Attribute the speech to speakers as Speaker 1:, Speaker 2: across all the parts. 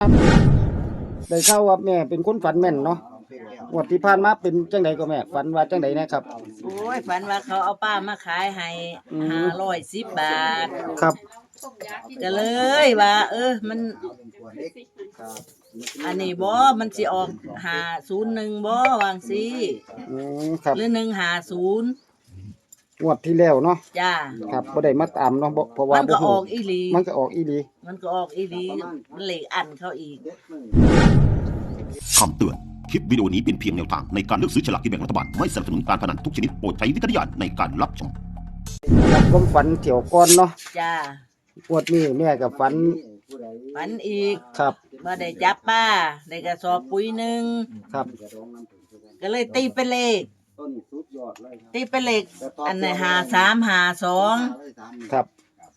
Speaker 1: ได้ข่าวว่าแม่เป็นคนฝันแม่นเนาะงวดที่ผ่านมาเป็นจังไดก็แม่ฝันว่าจังไดนะครับ
Speaker 2: โอ้ยฝันว่าเขาเอาป้ามาขายให้510 บาท
Speaker 1: ครับ
Speaker 2: ก็เลยว่ามันอันนี้บ่มันสิออก501บ่วางสิ
Speaker 1: ครับ
Speaker 2: หรือ150
Speaker 1: งวดที่แล้วเนาะ
Speaker 2: จ้า
Speaker 1: ครับบ่ได้มาตามเนาะเพราะว่า
Speaker 2: มันก็ออกอีหลี
Speaker 1: มันก็ออกอีหลี
Speaker 2: มันเลขอันเขาอีก
Speaker 3: คำเตือนคลิปวิดีโอนี้เป็นเพียงแนวทางในการเลือกซื้อฉลากกินแบ่งรัฐบาลไม่สนับสนุนการพนันทุกชนิดโปรดใช้วิจารณญาณในการรับชม
Speaker 1: ครับผมฝันเที่ยวก่อนเนาะ
Speaker 2: จ้าง
Speaker 1: วดนี้แม่ก็ฝัน
Speaker 2: อีก
Speaker 1: ครับ
Speaker 2: บ่ได้จับป้าได้กระสอบปุ๋ยหนึ่ง
Speaker 1: ครับ
Speaker 2: ก็เลยตีเป็นเลขอันไหน5352
Speaker 1: ครับ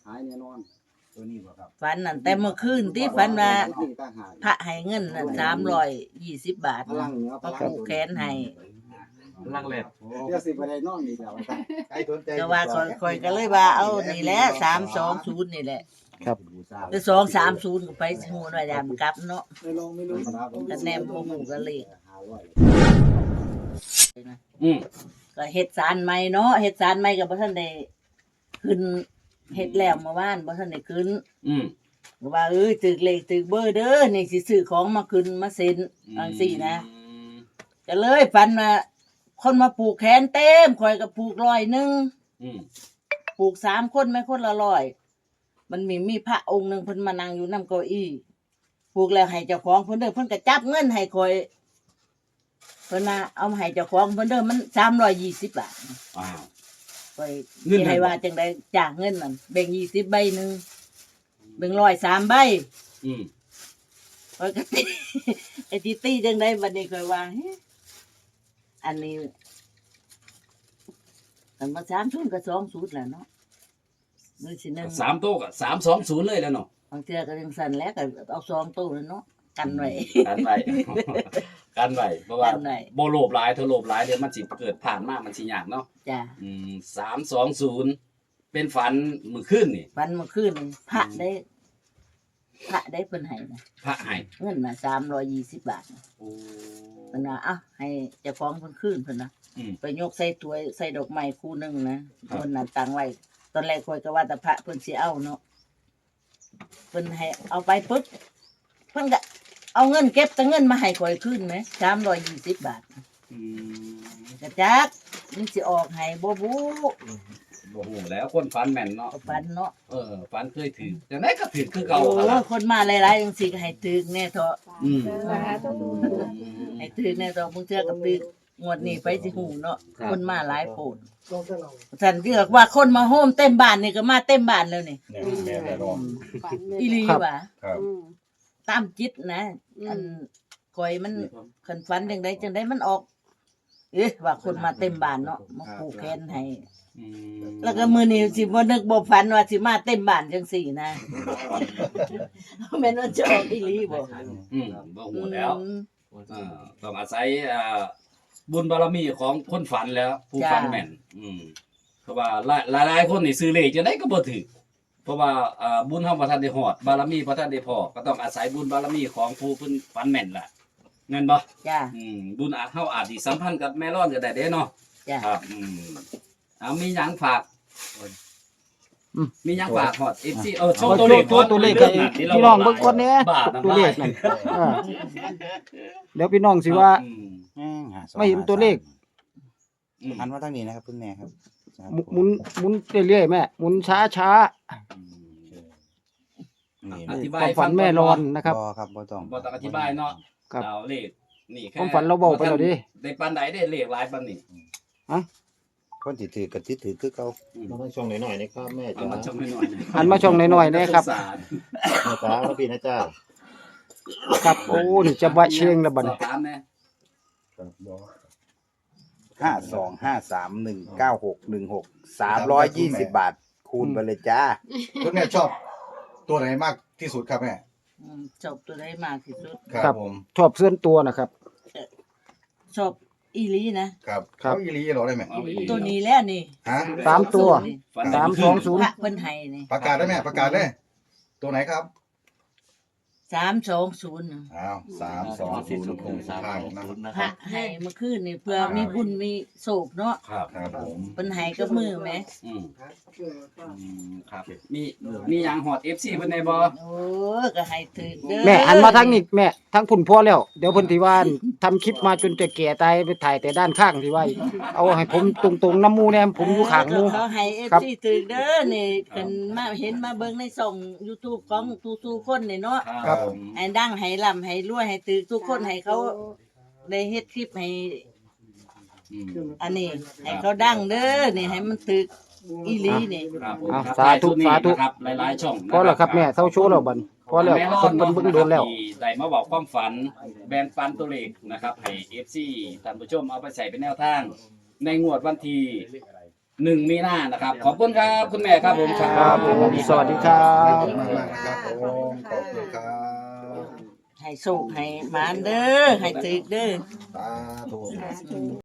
Speaker 2: ฝันนั่นแต่เมื่อคืนที่ฝันว่าพระให้เงินนั่น320 บาทก็ผูกแขนให้
Speaker 4: ลังแหลด
Speaker 5: เดี๋ยวสิบ่ได้นอนอีกแล้ว
Speaker 2: ก็ว่าค่อยก็เลยว่าเอานี่แหละ320นี่แหละ
Speaker 1: ครับ
Speaker 2: แต่230ก็ไปฮู้ว่าอย่ามกลับเนาะก็แนมบ่ฮู้ก็เลขก็เฮ็ดศาลใหม่เนาะเฮ็ดศาลใหม่ก็บ่ทันได้ขึ้นเฮ็ดแล้วเมื่อวานบ่ทันได้ขึ้นว่าตึกเลขตึกเบอร์เด้อนี่สิซื้อของมาขึ้นมาเซ็นจังซี่นะก็เลยฝันว่าคนมาผูกแขนเต็มข่อยก็ผูก100ผูก3คนแม่คนละ100มันมีพระองค์นึงเพิ่นมานั่งอยู่นำเก้าอี้ผูกแล้วให้เจ้าของเพิ่นเด้อเพิ่นก็จับเงินให้ข่อยเพิ่นมาเอามาให้เจ้าของเพิ่นเด้อมัน320 บาท
Speaker 4: อ้าว
Speaker 2: ข่อยสิให้ว่าจังได๋จ้างเงินนั่นแบ่ง20ใบนึงแบ่ง100 3ใบข่อยก็ตีไอ้ตีจังได๋บัดนี้ข่อยว่าอันนี้อันมา30ก็20แหละเนาะมื้อสินึง
Speaker 4: 3โต๊ะก็320เลยแล้วเนาะ
Speaker 2: บางเทื่อก็จังซั่นแหละก็เอา2โต๊ะแล้วเนาะกันไว้
Speaker 4: กันไว้เพราะว่าบ่โลภหลายถ้าโลภหลายเดี๋ยวมันสิเกิดผ่านมามันสิยากเนาะ
Speaker 2: จ้ะ
Speaker 4: 320เป็นฝันมื้อคืนนี่
Speaker 2: ฝันเมื่อคืนพระได้เพิ่นให้นะ
Speaker 4: พระให้
Speaker 2: เงินน่ะ320 บาท
Speaker 4: โอ้
Speaker 2: เพิ่นว่าให้เจ้าของเพิ่นคืนเพิ่นนะไปยกใส่ถ้วยใส่ดอกไม้คู่นึงนะเพิ่นน่ะตั้งไว้ตอนแรกข้อยก็ว่าแต่พระเพิ่นสิเอาเนาะเพิ่นให้เอาไปปึ๊บเพิ่นก็เอาเงินเก็บแต่เงินมาให้ข่อยคืนไหม320 บาทกระจักมันสิออกให้บ่
Speaker 4: ฮู้แล้วคนฝันแม่นเนาะ
Speaker 2: ฝันเนาะ
Speaker 4: ฝันเคยถือจังได๋ก็ถือคือเก่า
Speaker 2: คนมาหลายๆจังซี่ก็ให้ถึกแน่เถาะให้ถึกแน่เถาะมึงเทื่อก็ถึกงวดนี้ไปสิฮู้เนาะคนมาหลายโพดฉันเลือกว่าคนมาโฮมเต็มบ้านนี่ก็มาเต็มบ้านแล้วนี่อีหลีว่ะตามจิตนะอันข่อยมันคันฝันจังได๋มันออกว่าคนมาเต็มบ้านเนาะมาผูกแขนให้แล้วก็มื้อนี้สิบ่นึกบ่ฝันว่าสิมาเต็มบ้านจังซี่นะแม่นว่าจะออกอีหลีบ่
Speaker 4: บ่ฮู้แล้วต้องอาศัยบุญบารมีของคนฝันแล้วผู้ฝันแม่นเพราะว่าหลายๆคนนี่ซื้อเลขจังได๋ก็บ่ถูกเพราะว่าบุญเฮาบ่ทันได้ฮอดบารมีบ่ทันได้พอก็ต้องอาศัยบุญบารมีของผู้เพิ่นฝันแม่นล่ะแม่นบ่
Speaker 2: จ้ะ
Speaker 4: บุญเฮาอาจสิสัมพันธ์กับแม่ร้อนก็ได้เด้เนาะครับมีหยังฝากมีหยังฝากฮอด FC โชว์ตัวเลข
Speaker 1: กับพี่น้องเบิ่งก่อนแน่ตัวเลขนั่นเดี๋ยวพี่น้องสิว่าไม่เห็นตัวเลข
Speaker 5: หันมาทางนี้นะครับคุณแม่ครับ
Speaker 1: หมุนเรื่อยๆแม่หมุนช้า
Speaker 4: อธิบาย
Speaker 1: ฝันแม่รอนนะครับ
Speaker 5: ครับบ่ต้อง
Speaker 4: อธิบายเนาะเอาเลขนี่
Speaker 1: แค่ความฝันเราเว้าไปแล้วดิ
Speaker 4: ได้ปานใดได้เลขหลายปานนี้
Speaker 5: คนสิถือก็สิถือคือเก่า
Speaker 6: มาช่องหน่อยๆนะครับแม่จ๋า
Speaker 4: มาช่องหน่อย
Speaker 1: ๆหันมาช่องหน่อยๆนะครับ
Speaker 6: แม่จ๋าแล้วพี่นะจ้า
Speaker 1: ครับโอ้นี่จะบะเชงแล้วบัดนี้
Speaker 5: 525319616320 บาทคูณไปเลยจ้า
Speaker 6: คุณแม่ชอบตัวไหนมากที่สุดครับแม่
Speaker 2: ชอบตัวไหนมากที่สุด
Speaker 6: ครับผม
Speaker 1: ชอบเสื้อตัวนะครับ
Speaker 2: ชอบอีหลีนะครับ
Speaker 6: อีหลีเหรอได้ไหม
Speaker 2: ตัวนี้แล้วนี่
Speaker 1: 3ตัว320
Speaker 2: พระเพิ่นให้นี่
Speaker 6: ประกาศได้แม่ประกาศเลยตัวไหนครับ
Speaker 2: 320
Speaker 6: อ้าว320ทางนะ
Speaker 2: พระให้เมื่อคืนนี่เพื่อมีบุญมีโศกเนาะ
Speaker 4: ครับ
Speaker 6: ครับผม
Speaker 2: เพิ่นให้กับมือแหม
Speaker 4: อืมครับมีหยังฮอด FC เพิ่นได้บ่
Speaker 2: โอ้ก็ให้ถึกเด้อ
Speaker 1: แม่หันมาทางนี้แม่ทางพุ่นพอแล้วเดี๋ยวเพิ่นสิว่าทำคลิปมาจนจะแก่ตายไปถ่ายแต่ด้านข้างที่ว่าเอาให้ผมตรงๆน้ำหมู่แน่ผมอยู่ข้างหมู่
Speaker 2: เขาให้
Speaker 1: ครับ
Speaker 2: FC ถึกเด้อนี่เพิ่นมาเห็นมาเบิ่งในช่อง YouTube ของทุกๆคนนี่เนาะ
Speaker 4: ครับผม
Speaker 2: ให้ดังให้ร่ำให้รวยให้ตึกทุกคนให้เขาได้เฮ็ดคลิปให้
Speaker 4: อืม
Speaker 2: อันนี้ให้เขาดังเด้อนี่ให้มันตึกอีหลีนี่
Speaker 4: ครับผม
Speaker 1: อ่ะ
Speaker 4: ครับ
Speaker 1: สาธุ
Speaker 4: ท้ยสุดนี้
Speaker 1: สาธุ
Speaker 4: นะครับหลายๆช่องนะ
Speaker 1: พอแล้วครับแม่เซาโชว์แล้วบัดนี้พอแล้ว
Speaker 4: ม่ร
Speaker 1: ค
Speaker 4: อด
Speaker 1: นเพิ่นเบิ่งโดนแล้ว
Speaker 4: ที่ได้มาบอกความฝันแบ่งปันตัวเลขนะครับให้ FC ท่านผู้ชมเอาไปใส่เป็นแนวทาง ในงวดวันที่1มีนานะครับ ขอบคุณครับคุณแม่ครับผมครั
Speaker 1: ครับผมสวัสดีครั
Speaker 6: ขอบบ คุณมากๆนะครับผมขอบคุณครับ
Speaker 2: ให้สุขให้หมานเด้อให้ตึกเด้อ
Speaker 6: สาธุ